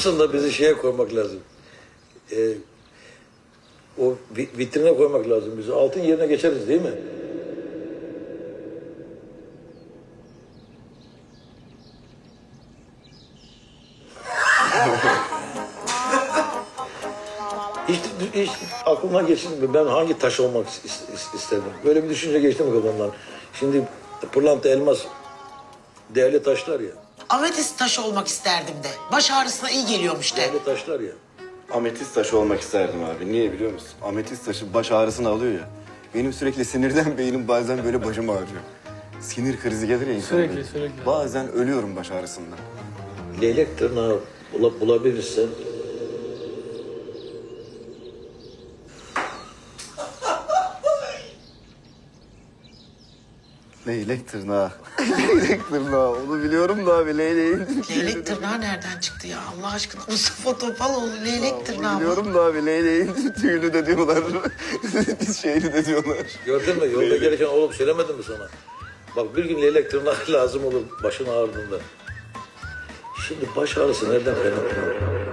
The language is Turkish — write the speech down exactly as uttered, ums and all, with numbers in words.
Aslında bizi şeye koymak lazım. Ee, o vi- vitrine koymak lazım bizi. Altın yerine geçeriz değil mi? Hiç, hiç aklına geçti mi? Ben hangi taş olmak is- is- isterdim? Böyle bir düşünce geçti mi kafamdan? Şimdi pırlanta, elmas değerli taşlar ya. Ametist taşı olmak isterdim de. Baş ağrısına iyi geliyormuş de. Değerli taşlar ya. Ametist taşı olmak isterdim abi. Niye biliyor musun? Ametist taşı baş ağrısını alıyor ya. Benim sürekli sinirden beynim bazen böyle başım ağrıyor. Sinir krizi gelir ya insana. Sürekli, böyle. sürekli. Bazen ölüyorum baş ağrısından. Leylek tırnağı bula- bulabilirsen Leylek tırnağı. Leylek tırnağı. Onu biliyorum da abi leyleğin. Leylek tırnağı nereden çıktı ya Allah aşkına? Mustafa Topaloğlu leylek tırnağı Onu mı? biliyorum da abi leyleğin tüyünü de diyorlar. Biz şeyini de diyorlar. gördün mü? Yolda gelirken oğlum söylemedim mi sana? Bak bir gün leylek tırnağı lazım olur başın ağrıdığında. Şimdi baş ağrısı nereden kaynaklanıyor?